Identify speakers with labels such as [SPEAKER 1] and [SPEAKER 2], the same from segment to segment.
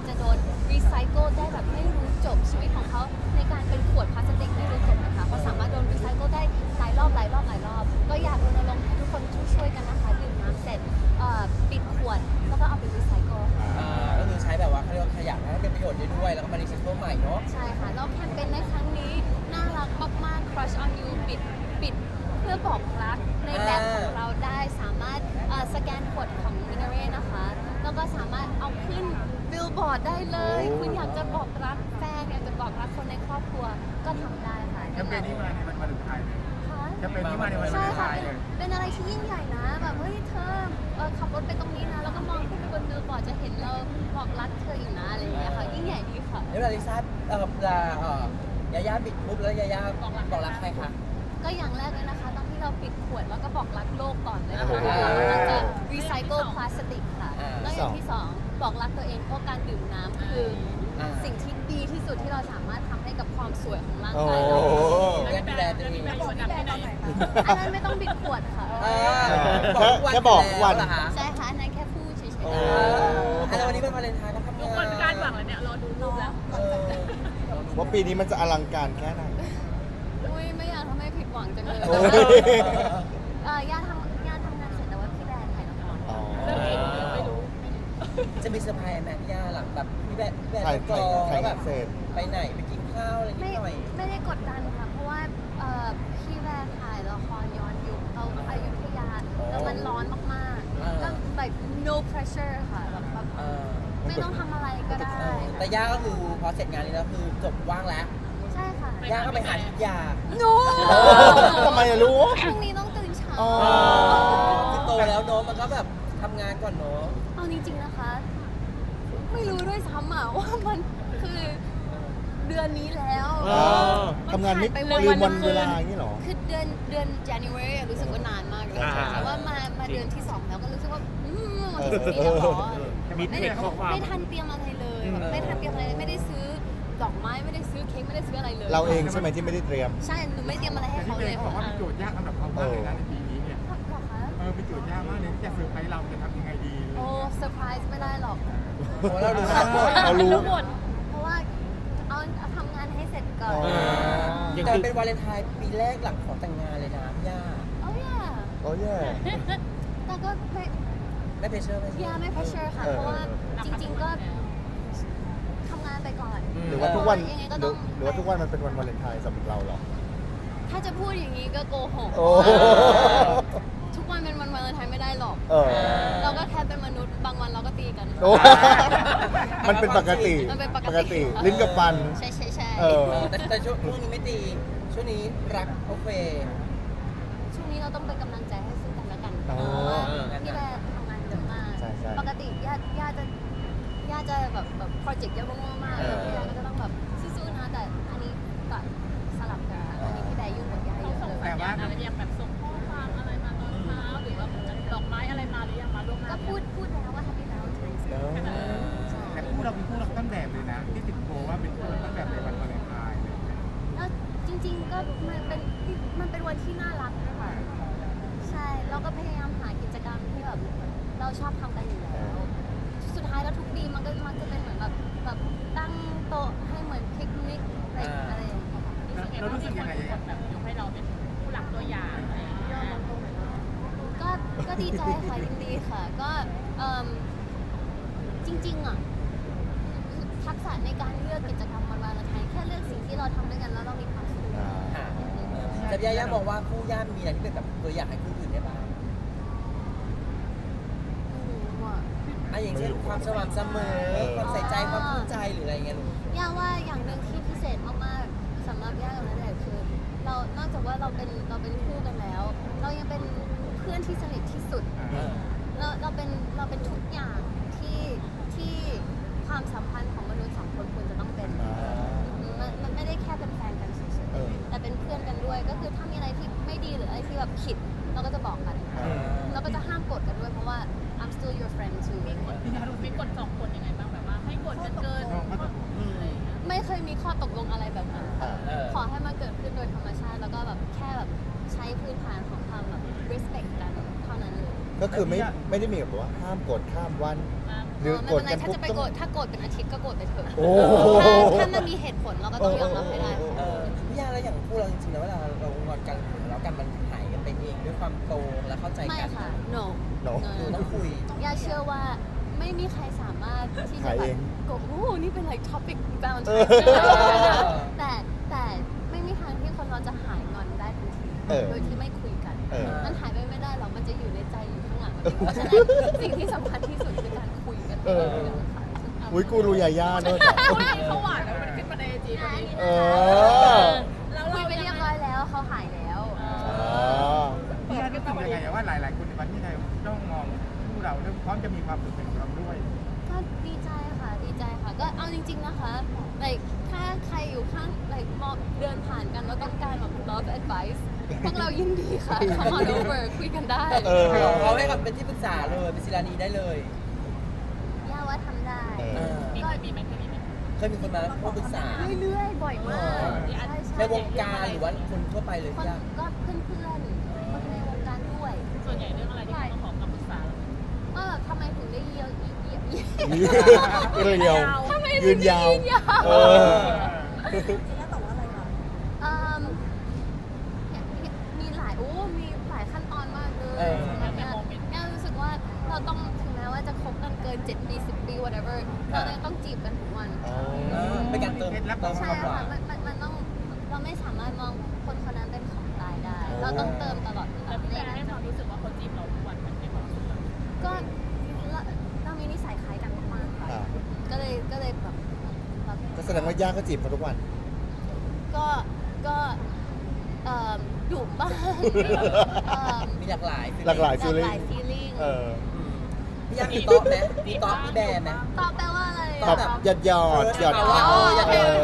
[SPEAKER 1] จะโดนรีไซเคิลได้แบบไม่รู้จบชีวิตของเขาในการเป็นขวดพลาสติกไม่รู้จบนะคะเขาสามารถโดนรีไซเคิลได้หลายรอบก็อยากรณรงค์ให้ทุกคนช่วยกันนะคะดื่มน้ำเสร็จปิดขวดแล้วก็เอาไปรีไซเคิลค่ะ
[SPEAKER 2] ก็คือใช้แบบว่าเขาเรียกว่าขยะให้เป็นประโยชน์ได้ด้วยแล้วก็มารีไซเคิลใหม่เนาะ
[SPEAKER 1] ใช่ค่ะแล้วแคมเปญในครั้งนี้น่ารักมากๆ Crush on You ปิดเพื่อบอกรักในแบบของเราได้สามารถสแกนกดของ Minare นะคะแล้วก็สามารถเอาขึ้นบิลบอร์ดได้เลยคุณอยากจะบอกรักแฟนอยากจะบอกรักคนในครอบครัวก็ทำได้ค่ะ
[SPEAKER 3] แคมเปญนี้มาในวันวาเลนไทน์แคมเปญนี้มาในวันวา
[SPEAKER 1] ใช่
[SPEAKER 3] เลนไท
[SPEAKER 1] ค่ะ
[SPEAKER 3] น์เลย
[SPEAKER 1] เป็นอะไรที่ยิ่งใหญ่นะแบบเฮ้ยเธอขับรถไปตรงนี้นะแล้วก็มองขึ้นไปบนบิลบอร์ดจะเห็นเราบอกรักเธออยู่นะอะไรอย่างเงี้ยค่ะยิ่งใหญ่ดีค่ะ
[SPEAKER 2] แล้วเวลาลิซ่ายาย่าบิดปุ๊บแล้วยาย่าบอกรักใครคะ
[SPEAKER 1] ก็อย่างแรกเลยนะคะตอนที่เราปิดขวดแล้วก็บอกรักโลกก่อนเลยนะคะเราจะรีไซเคิลพลาสติกค่ะแล้วอย่างที่สองบอกรักตัวเองเพราะการดื่มน้ำคือสิ่งที่ดีที่สุดที่เราสามารถทำให้กับความสวยของร่างกายเรา
[SPEAKER 2] ดูแลตัวเอง
[SPEAKER 1] อันนั้นไม่ต้องปิดขวดค่ะ
[SPEAKER 4] แค่บอกวัน
[SPEAKER 1] ใช่ค่ะอันนั้นแค่พูดเฉยๆ
[SPEAKER 2] แล้ววันนี้เป็นวาเลนไทน์ก็ทำงาน
[SPEAKER 5] ทุกคนคาดหวังแล้วเนี่ยรอดูรูปแล้ว
[SPEAKER 4] ว่าปีนี้มันจะอลังการแค่ไหน
[SPEAKER 1] อุ้ยไม่อยากทำให้ผิดหวังจังเลย
[SPEAKER 4] โอ้ย
[SPEAKER 1] ย่าทำงานเสร็จแต่ว่าพี่แบร์ถ่ายละคร
[SPEAKER 4] อ๋อ
[SPEAKER 5] เรื่องนี้ไม่รู้
[SPEAKER 2] จะมีเซอร์ไพรส์แม่พี่ย่าหลังแบบพี่แบร์
[SPEAKER 4] ถ่าย
[SPEAKER 2] กองแล้วแบบ
[SPEAKER 4] เสร็จ
[SPEAKER 2] ไปไหนไปกินข้าวอะไรนิดหน่อย
[SPEAKER 1] ไม่ได้กดดันค่ะ เพราะว่าพี่แบร์ถ่ายละครย้อนยุคเอาอยุธยาแล้วมันร้อนมากๆก็ like no pressure ค่ะแบบไม่ต้องทำอะไรก็ได้
[SPEAKER 2] แต่ย่าก็คือพอเสร็จงานนี้แล้วคือจบว่างแล้ว
[SPEAKER 1] ใช่ค่ะ
[SPEAKER 2] ย่าก็ไปหาทุกอย่าง
[SPEAKER 1] no
[SPEAKER 4] ทำไมอะรู้
[SPEAKER 1] พรุ่งนี้ต้องตื่นเช้า
[SPEAKER 4] อ๋อ
[SPEAKER 2] คือโตแล้วเนาะมันก็แบบทำงานก่อนเนาะ
[SPEAKER 1] เอาจริงๆนะคะ ไม่รู้ด้วยซ้ำอ่ะว่ามันคือเดือนนี้แล้ว
[SPEAKER 4] ทำงานไม่
[SPEAKER 1] ผ่
[SPEAKER 4] ลืมวันเวลาอย่างนี้เหรอ
[SPEAKER 1] คือเดือน January อะรู้สึกว่านานมากเลยแต่ว่ามาเดือนที่ 2 แล้วก็รู้สึกว่าวันที่14แล้วเหรอ
[SPEAKER 3] มีเทคข้อความ
[SPEAKER 1] ไม่ทันเตรียมอะไรเลยแบบไม่ทันเตรียมอะไรเลยไม่ได้ซื้อดอกไม้ไม่ได้ซื้อเค้กไม่ได้ซื้ออะไรเลย
[SPEAKER 4] เราเองใช่ไหมที่ไม่ได้เตรียม
[SPEAKER 1] ใช่หนูไม่เตรียมอะไรให้
[SPEAKER 3] แต่ที่
[SPEAKER 1] เขา
[SPEAKER 3] เบ
[SPEAKER 1] เลย
[SPEAKER 3] ย์เขาบอกว่าเป็นโจทย์ยากสำหรับเขามากเลยนะในปีนี้เนี่ย
[SPEAKER 1] หรอคะ
[SPEAKER 3] เป็นโจทย์ยากมากเลยที่จะเซอร์ไพรส์เราจะทำยังไงดี
[SPEAKER 1] โอ้เซอร์ไพรส์ไม่ได้หรอก
[SPEAKER 2] เพราะเรารู้ทั้งหมด
[SPEAKER 4] เรารู้
[SPEAKER 1] เพราะว่าเอาทำงานให้เสร็จก่อน
[SPEAKER 2] แต่เป็นวาเลนไทน์ปีแรกหลังขอแต่งงานเลยนะย่า
[SPEAKER 1] โอ้ยอ่ะ
[SPEAKER 4] โอ้ยแย่
[SPEAKER 1] แต่ก็ไม่
[SPEAKER 2] ไม่เพรสเชอร์ไม่
[SPEAKER 1] ไม่เพรสเชอร์ค่ะ เพราะว่าจริงๆก็ทำงานไปก่อน
[SPEAKER 4] หรือว่าทุกวัน
[SPEAKER 1] ยังไงก็ต้อง
[SPEAKER 4] หรือว่าทุกวันมันเป็นวันวาเลนไทน์สำหรับเราเหรอ
[SPEAKER 1] ถ้าจะพูดอย่างนี้ก็โกหก
[SPEAKER 4] โอ้
[SPEAKER 1] ทุกวันเป็นวันวาเลนไทน์ไม่ได้หรอก
[SPEAKER 4] เออ
[SPEAKER 1] เราก็แค่เป็นมนุษย์บางวันเราก็ตีกัน
[SPEAKER 4] โอ้มันเป็นปกติ
[SPEAKER 1] มันเป็นปกติ
[SPEAKER 4] ลิ้นกับฟัน
[SPEAKER 1] ใช่ใช่ใช่
[SPEAKER 4] เออ
[SPEAKER 2] แต่ช่วงนี้ไม่ตีช่วงนี้รักโอเค
[SPEAKER 1] ช่วงนี้เราต้องเป็นกำลังใจให้ซึ่งกันและกัน
[SPEAKER 4] อ๋อ
[SPEAKER 1] เพราะว่าพี่แบร์ทำงานเยอะมาก
[SPEAKER 4] ใช่ใช่
[SPEAKER 1] ปกติย่าจะแบบโปรเจกต์เยอะมากๆพี่แบร์ก็จะต้องแบบสู้ๆนะแต่อันนี้ก็สลับกันค่ะอันนี้พี่แบร์ยุ่งกว่าย่าเยอะเลย
[SPEAKER 3] แต่ว่า
[SPEAKER 5] อะไรอย่างแบบส่งข้อความอะไรมาตอนเช้าหรือว่าดอกไม้อะไรมาหรือยังมาล่วงหน้า
[SPEAKER 1] ก็พูดแล้วว่า Happy Valentine's
[SPEAKER 4] เอ
[SPEAKER 1] Day
[SPEAKER 4] อ
[SPEAKER 3] แต่คู่เราเป็นคู่รักต้นแบบเลยนะ ที่ติดโพว่าเป็นคู่รักต้นแบบในวันวาเลนไทน์เลย
[SPEAKER 1] แล้วจริงๆก็มันเป็นวันที่น่ารักนะคะใช่เราก็พยายามหากิจกรรมที่แบบเราชอบทำกันอยู่แล้ว สุดท้ายแล้วทุกปีมันก็มักจะเป็นเหมือนแบบตั้งโต๊ะให้เหมือนปิกนิกอะไรอย่างเงี้ยค่ะ
[SPEAKER 3] เรารู้สึกยังไง
[SPEAKER 5] แบบยกให้เราเป็นผู้หลักตัวอย่างอะไรอย่างเงี้ย
[SPEAKER 1] ก็ดีใจค่ะยินดีค่ะ ก็จริงๆอ่ะทักษะในการเลือกกิจกรรมวันวาเลนไทน์แค่เลือกสิ่งที่เราทำด้วยกันแล้วเรามีความสุข
[SPEAKER 2] ค่ะแต่ย่าบอกว่าคู่ย่ามีอะไรที่เป็นแบบตัวอย่างให้คู่อื่นได้บ้าง อย่างเช่นความสม่ำเสมอความใส่ใจความภูมิใจหรืออะไรเงี้ยลูก
[SPEAKER 1] ย่าว่าอย่างหนึ่งที่พิเศษมากๆสำหรับย่ากับณเดชน์คือเรานอกจากว่าเราเป็นคู่กันแล้ว เรายังเป็นเพื่อนที่สนิทที่สุด เราเป็นทุกอย่างที่ความสัมพันธ์ของมนุษย์สองคนควรจะต้องเป็นมันไม่ได้แค่เป็นแฟนกันเฉย
[SPEAKER 4] เออ
[SPEAKER 1] ๆแต่เป็นเพื่อนกันด้วยก็คือถ้ามีอะไรที่ไม่ดีหรืออะไรที่แบบผิดเราก็จะบอกกันเราก็จะห้ามกดกันด้วยเพราะว่า I'm still your friend too
[SPEAKER 5] พี่นารู้มีกฎสองคนยังไงบ้างแบบว่าให้กฎกันเกินอะไรอย่างเงี้ย
[SPEAKER 1] ไม่เคยมีข้อตกลงอะไรแบบนั้นค่ะ
[SPEAKER 4] อ่า
[SPEAKER 1] ขอให้มันเกิดขึ้นโดยธรรมชาติแล้วก็แบบแค่แบบใช้พื้นฐานของความแบบ respect กันเท่านั้นเลย
[SPEAKER 4] ก็คือไม่ได้มีแบบว่าห้ามกดข้ามวันหรือ
[SPEAKER 1] ไม่
[SPEAKER 4] โกร
[SPEAKER 1] เป็
[SPEAKER 4] ธ
[SPEAKER 1] นไร
[SPEAKER 4] กัน
[SPEAKER 1] ถ้า
[SPEAKER 4] ปุ๊บ
[SPEAKER 1] จะไป
[SPEAKER 4] ต้อง
[SPEAKER 1] โกรธถ้าโกรธเป็นอาทิตย์ก็โกรธไปเถอะ
[SPEAKER 4] โอ้
[SPEAKER 1] ถ้ามันมีเหตุผลเราก็ต้องยอมรับให้ได้
[SPEAKER 2] พี่ย่าแล้วอย่างคู่เราจริงๆแล้วเวลาเรางอนกันแล้วกันมันหายกันไปเองด้วยความโตและเข้าใจ
[SPEAKER 1] ไม่
[SPEAKER 2] กัน
[SPEAKER 1] ค่ะ no
[SPEAKER 4] เนาะ
[SPEAKER 2] หนูต้องคุย
[SPEAKER 1] ย่าเชื่อว่าไม่มีใครสามารถที่จะ
[SPEAKER 4] หาย
[SPEAKER 1] แบ
[SPEAKER 4] เอบ ง
[SPEAKER 1] โกรธโอ้นี่เป็น like topic
[SPEAKER 4] เอ
[SPEAKER 1] Valentine
[SPEAKER 4] อ
[SPEAKER 1] แต่ไม่มีทางที่คนเราจะหายงอนได้ทันที
[SPEAKER 4] เออ
[SPEAKER 1] โดยที่ไม่คุยกัน
[SPEAKER 4] เออ
[SPEAKER 1] มันหายไปไม่ได้หรอกมันจะอยู่ในใจอยู่ข้างหลังเพราะฉะนั้นสิ่งที่สำคัญที่สุดคือการคุยกัน
[SPEAKER 4] เออ
[SPEAKER 1] ค่ะ
[SPEAKER 4] อุ้ยกูรู้ยาย่าด้วย
[SPEAKER 5] เขาหวานแล้วมันขึ้นมาในไอจีตอนนี้
[SPEAKER 4] เออ
[SPEAKER 5] แล้ว
[SPEAKER 1] คุ
[SPEAKER 5] เรา
[SPEAKER 1] ยไปเรียบร้อยแล้วเขาหายแล้ว
[SPEAKER 4] อ๋อ
[SPEAKER 3] พี่ย่ารู้สึกยังไงอะว่าหลายๆคนในประเทศไทยต้องมองคู่เราแล้วพร้อมจะมีความสุขเป็นของเราด้วย
[SPEAKER 1] ก็ดีใจค่ะดีใจค่ะ ก็เอาจริงๆนะคะ like ถ้าใครอยู่ข้าง like มองเดินผ่านกันแล้วต้องการแบบ love advice พวกเรายินดีค่ะ come on over คุยกันได้
[SPEAKER 4] เออ
[SPEAKER 2] เขาให้คำเป็นที่ปรึกษาเลยเป็นศิลานีได้เลย
[SPEAKER 1] ย่าว่าทำได้
[SPEAKER 4] เออ
[SPEAKER 5] มีไหมมีไหม
[SPEAKER 2] เคยมีคนมาพูดปรึกษา
[SPEAKER 1] เรื่อยๆ บ่อยมาก
[SPEAKER 2] อ๋อ
[SPEAKER 1] ใช่ใช่
[SPEAKER 2] ในวงการหรือว่าคนทั่วไปเลย
[SPEAKER 1] คน
[SPEAKER 2] พี่ย่า
[SPEAKER 1] ก็เพื่อนๆ คนในวงการด้วย
[SPEAKER 5] ส่วนใหญ่เรื่องอะไรที่เขาขอคำปรึกษา
[SPEAKER 1] ว่าแบบทำไมถึงได้เยอะเยอะ
[SPEAKER 4] เรียว
[SPEAKER 1] ทำไม
[SPEAKER 4] ยื
[SPEAKER 1] ถึง
[SPEAKER 4] น
[SPEAKER 1] ได้
[SPEAKER 4] ยาว
[SPEAKER 1] ยืนยาว
[SPEAKER 4] เออ
[SPEAKER 1] เอิ่มมีหลายมีหลายขั้นตอนมากเลย
[SPEAKER 2] เออ
[SPEAKER 1] เนี่ยรู้สึกว่าเราต้องถึงแม้ว่าจะคบกันเกิน7 ปี 10 ปี whatever เรายังต้องจีบกันทุกวัน
[SPEAKER 4] อ๋อ
[SPEAKER 2] เป็นการเติม
[SPEAKER 3] เคล็ดลับ
[SPEAKER 2] เติม
[SPEAKER 1] ใช่
[SPEAKER 2] ความหวา
[SPEAKER 1] ค่ะ
[SPEAKER 2] น
[SPEAKER 1] มันต้องเราไม่สามารถมองคนคนนั้นเป็นของตายได้ เราต้องเติมตลอดเวลา
[SPEAKER 5] แล้วพี่แบร์ให้ความรู้สึกว่าเขาจีบเราทุกวันมันในความรู้สึกเรา
[SPEAKER 1] ก็เรามีนิสัยคล้ายกันมากๆค่ะ
[SPEAKER 4] อ่า
[SPEAKER 1] ก็เลยแบบ
[SPEAKER 4] ก็แสดงว่าย่าก็จีบเขาทุกวัน
[SPEAKER 1] ก็ดุบ้างเอิ่ม
[SPEAKER 2] มีหลากหลาย
[SPEAKER 4] หลากหลาย
[SPEAKER 1] หลากหลาย feeling
[SPEAKER 4] เออ
[SPEAKER 2] พี่ย่ามีโต๊ะไหมมีโต๊ะมีแบร์ไหม
[SPEAKER 1] ตอบแปลว่าอะไร
[SPEAKER 4] ตอบหยอดหยอดหยอด
[SPEAKER 2] อ๋อ
[SPEAKER 1] โอเคโอเค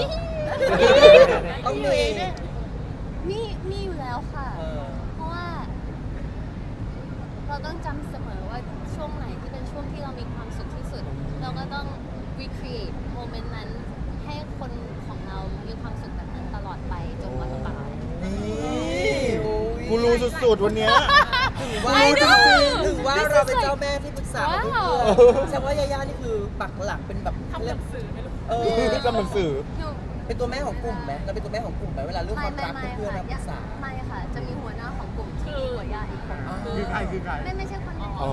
[SPEAKER 2] ต้องมี
[SPEAKER 1] มีอยู่แล้วค่ะ
[SPEAKER 2] เออ
[SPEAKER 1] เพราะว่าเราต้องจำเสมอว่าช่วงไหนที่เป็นช่วงที่เรามีความสุขที่สุด เราก็ต้อง recreate โมเมนต์นั้นให้คนของเรามีความสุขแบบนั้นตลอดไปจนวันตาย
[SPEAKER 4] นี่กูรู้สุดๆวันเนี้ย
[SPEAKER 2] ถือว่า
[SPEAKER 1] I know
[SPEAKER 2] ถือว่าเราเป็นเจ้าแม่ที่ปรึกษาของเพื่อนๆแสดงว่ายาย่านี่คือปักหลักเป็นแบบ
[SPEAKER 5] ทำหนังสือไม่รู้
[SPEAKER 2] เออ
[SPEAKER 4] ทำหนังสือ
[SPEAKER 1] หนู
[SPEAKER 2] เป็นตัวแม่ของกลุ่มไหมเราเป็นตัวแม่ของกลุ่มไหมเวลาเรื่องความรัก
[SPEAKER 1] ไม่
[SPEAKER 2] เพื่อนๆ
[SPEAKER 1] ค่ะ
[SPEAKER 2] มาปรึกษา
[SPEAKER 1] ไม่ค่ะ จะมีหัวหน้าของกลุ่มที่ดีกว่าย่าอีกคน
[SPEAKER 3] คือใครคือใคร
[SPEAKER 1] ไม่ใช่คนนี้
[SPEAKER 4] อ๋อ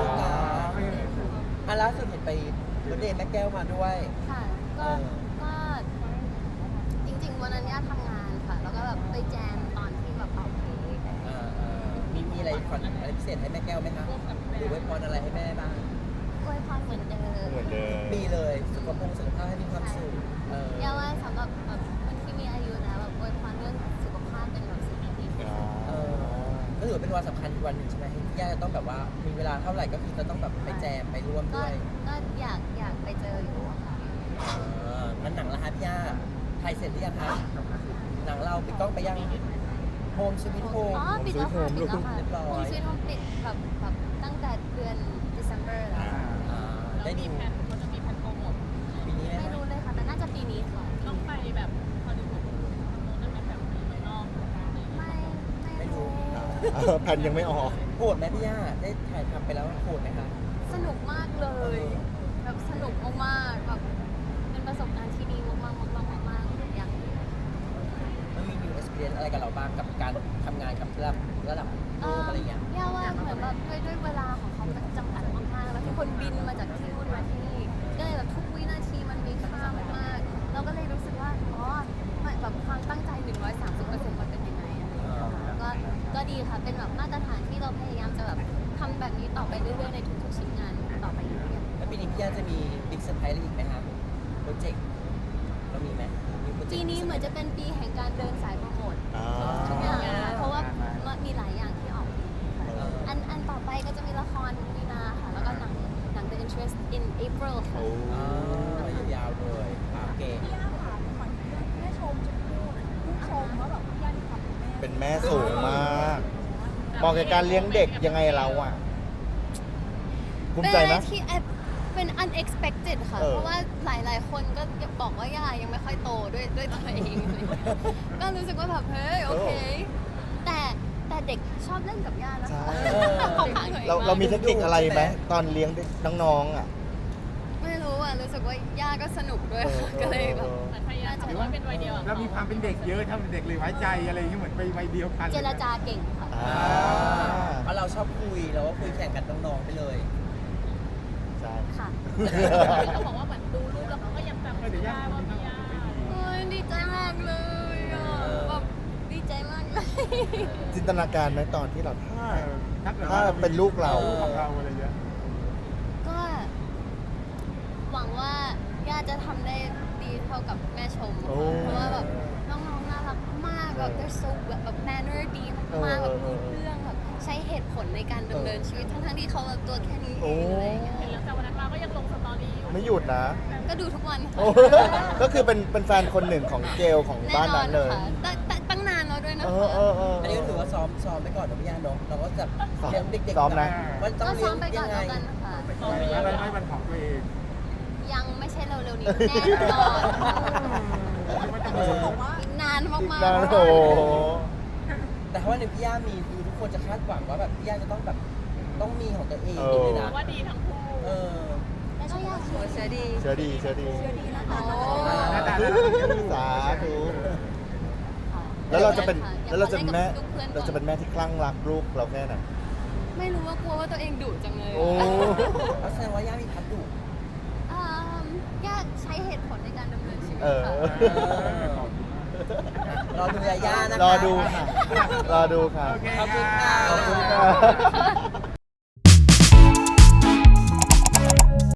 [SPEAKER 2] อ่ะล่าสุดเห็นไปเบิร์ธเดย์แม่แก้วมาด้วย
[SPEAKER 1] ค่ะ ก็จริงๆวันนั้นย่าทำงานค่ะ แล้วก็แบบไปแจมตอนที่แบบเป่าเค้ก
[SPEAKER 2] มีอะไรขวัญอะไรพิเศษให้แม่แก้วไหมคะหรือไว้พรอะไรให้แม่บ้าง
[SPEAKER 1] อวยพรเหมือนเดิม
[SPEAKER 4] เหมือนเดิม
[SPEAKER 2] มีเลยสุขภาพให้มีความสุข
[SPEAKER 1] ย่าว่าสำหรับแบบคนที่มีอายุนะแบบอวยพรเรื่องสุขภาพเป็นแบบสิ่งที่ดีที่สุด
[SPEAKER 2] ก็ถือว่าเป็นวันสำคัญอีกวันหนึ่งใช่ไหมที่ย่าจะต้องแบบว่ามีเวลาเท่าไหร่ก็คือจะต้องแบบไปแจมไปร่วม
[SPEAKER 1] ก็
[SPEAKER 2] ด้วย
[SPEAKER 1] อยากไปเจออยู่อะค่ะ
[SPEAKER 2] งั้นหนังละฮะพี่ย่าถ่ายเสร็จหรือยังคะหนังเราปิดกล้องไปยังโฮมสวิตโฮม
[SPEAKER 1] อ๋อปิดแล้วค่ะปิดแล้วค่ะ
[SPEAKER 2] เรียบร้อย
[SPEAKER 1] คุณชีวิตผมปิดแบบตั้งแต่เดือน December แล้ว
[SPEAKER 5] แล้ว
[SPEAKER 2] ได้
[SPEAKER 5] มี
[SPEAKER 2] ดู
[SPEAKER 5] แผนเขาจะมีแผนโปรโมท
[SPEAKER 2] ปีนี้ไหม
[SPEAKER 1] ไม่
[SPEAKER 2] คะ
[SPEAKER 1] รู้เลยค่ะ แต่น่าจะปีนี้ค่ะ
[SPEAKER 5] ต้องไปแบบฮอลลีวูดนั่นเป็นแบบเมืองนอก
[SPEAKER 1] ไม่รู้
[SPEAKER 4] แผ่นยังไม่ออก
[SPEAKER 2] โหดไหมพี่ย่าได้ถ่ายทำไปแล้วโหดไหมคะ
[SPEAKER 1] สนุกมากเลยแบบสนุกมากๆแบบเป็นประสบการณ์ที่ดีมากๆมากๆอย่าง
[SPEAKER 2] มันมี new experience อะไรกับเราบ้างกับการทำงานกับระดับโลกอะไรเงี้ย
[SPEAKER 1] ย่าว่าเหมือนแบบด้วยเวลาของเขามันจำกัดมากๆ แล้วทุกคนบินมาจากที่นู่นมาที่นี่ ก็เลยแบบทุกวินาทีมันมีค่ามากๆ เราก็เลยรู้สึกว่า อ๋อแบบความตั้งใจ 130%มันเป็นยังไงอะไรอย่างเงี้ยค่ะก็ดีค่ะ เป็นแบบมาตรฐานที่เราพยายามจะแบบทำแบบนี้ต่อไปเรื่อยๆในทุกๆชิ้นงานต่อไปเรื่อยๆ
[SPEAKER 2] แล้วปีนี้พี่ย่าจะมีบิ๊กเซอร์ไพรส์อะไรอีกไหมคะโปรเจกต์เรามีไหมมีโปรเจกต์
[SPEAKER 1] ปีนี้เหมือนจะเป็นปีแห่งการเดินสายโปรโมททุกอย่างนะคะเพราะว่ามีหลายอย่างที่ออกปีนี้ค่ะอันต่อไปก็จะมีละครมีนาค่ะ แล้วก็หนัง The Interest in April ค่ะ
[SPEAKER 2] ยาวๆเลยโอเค
[SPEAKER 4] เป็นแม่สูงมากมองกับการเลี้ยงเด็กยังไงเราอ่ะภูมิใจไหม
[SPEAKER 1] เป็นอะไรที่เป็น unexpected ค่ะ เพราะว่าหลายๆ คนก็บอกว่าย่ายังไม่ค่อยโตด้วยตัวเองอะไรอย่างเงี้ยก็รู้สึกว่าแบบเฮ้ยโอเค แต่เด็กชอบเล่นกับย่านะคะ
[SPEAKER 4] ใช่
[SPEAKER 1] ของขลังตัวอง
[SPEAKER 4] เรามีเทคนิคอะไรไหมตอนเลี้ยงน้องๆอ่ะ
[SPEAKER 1] สึกว่าย่าก็สนุกด้วยค่ะก็เลยแบบ
[SPEAKER 5] เหมือนพยายามทำให้เป็นวัยเดียวกับ
[SPEAKER 3] เรามีความเป็นเด็กเยอะทำเป็นเด็กเลยไว้ใจอะไรอย่างเงี้ยเหมือนไปวัยเดียวกัน
[SPEAKER 1] เจรจาเก่งค่ะ
[SPEAKER 4] อ่า
[SPEAKER 2] เพราะเราชอบคุยเราก็คุยแข่งกันน้องๆไปเลย
[SPEAKER 4] ใช่
[SPEAKER 1] ค่ะ
[SPEAKER 5] เขาบอกว่าเหมือนดูรูปแล้วเขาก็ยังจำไม่ได้ว่าพี่ย่า
[SPEAKER 1] โอ้ยดีใจมากเลยอ่ะแบบดีใจมากเลย
[SPEAKER 4] จินตนาการไหมตอนที่เราถ้า
[SPEAKER 3] ถ้าเกิด
[SPEAKER 4] ถ้าเป็นลูกเรา
[SPEAKER 3] ของเราอะไรเงี้ย
[SPEAKER 1] ก็หวังว่าย่าจะทำได้ดีเท่ากับแม่ชม
[SPEAKER 4] โอ้
[SPEAKER 1] เพราะว่าแบบน้องๆน่ารักมากแบบ they're so แบบ manner ดีมากๆแบบรู้เรื่องแบบใช้เหตุผลในการดำเนินชีวิตทั้งๆที่เขาแบบตัวแค่นี้เองอะไรอย่างเงี้ย
[SPEAKER 5] เห็นแล้วแต่วันนั้นมาก็ยังลงสตอรี่อยู่
[SPEAKER 4] ไม่หยุดนะ
[SPEAKER 1] ก็ดูทุกวัน
[SPEAKER 4] โอ้ ก็คือเป็นแฟนคนหนึ่งของเกลของ
[SPEAKER 1] แน่
[SPEAKER 4] บ้าน
[SPEAKER 1] นอ
[SPEAKER 4] นั้น นเลย
[SPEAKER 1] ค่ะแต่ตั้งนานแล้วด้วยนะ
[SPEAKER 4] เอ
[SPEAKER 1] คะ
[SPEAKER 4] อ
[SPEAKER 2] อันนี้ก็ถือว่าซ้อมไปก่อนนะพี่ย่าเนาะเราก็จะเลี้ยงเด็กๆ
[SPEAKER 4] ซ้อมนะ
[SPEAKER 2] ว่าต้อ
[SPEAKER 1] ก็
[SPEAKER 2] ง
[SPEAKER 1] ซ้
[SPEAKER 2] เลี้
[SPEAKER 1] อย ม
[SPEAKER 2] ง
[SPEAKER 1] ไปก่อ
[SPEAKER 2] ยั
[SPEAKER 1] น
[SPEAKER 2] งไง
[SPEAKER 1] แล้วกันค่ะ
[SPEAKER 3] อะไรไม่เป็นของตัวเอง
[SPEAKER 1] ยังไม่ใช่เร็วๆนี้แน่นอนค่ะอีกนานมาก
[SPEAKER 4] นาน
[SPEAKER 1] ๆ
[SPEAKER 4] โอ้โห
[SPEAKER 2] แต่ถ้าวันหนึ่งพี่ย่ามีคือทุกคนจะคาดหวังว่าแบบพี่ย่าจะต้องแบบต้องมีของตัวเอง
[SPEAKER 4] เออ
[SPEAKER 2] เลยนะ
[SPEAKER 5] ว่าดีทั้งคู่
[SPEAKER 2] เออ
[SPEAKER 1] แล้วก็อยากสวยเสียดี
[SPEAKER 4] เชื่อดี
[SPEAKER 1] โอ้
[SPEAKER 3] หน้าตา
[SPEAKER 4] สาธุแล้วเราจะเป็นแม่ เราจะเป็นแม่ที่คลั่งรักลูกเราแค่ไหน
[SPEAKER 1] ไม่รู้ว่ากลัวว่าตัวเองดุจังเลย
[SPEAKER 4] โอ้
[SPEAKER 2] เอาแสดงว่าย่ามีพัดดุ
[SPEAKER 1] ยากใช้เหตุผลในการดำเนินชีวิต
[SPEAKER 4] เออ
[SPEAKER 1] ค่ะ
[SPEAKER 2] รอดูย่านะคะ
[SPEAKER 4] รอดูค่ะ รอดูค่ะ
[SPEAKER 3] โอเค
[SPEAKER 2] ขอบคุณค่ะ
[SPEAKER 4] ขอบคุณค่ะ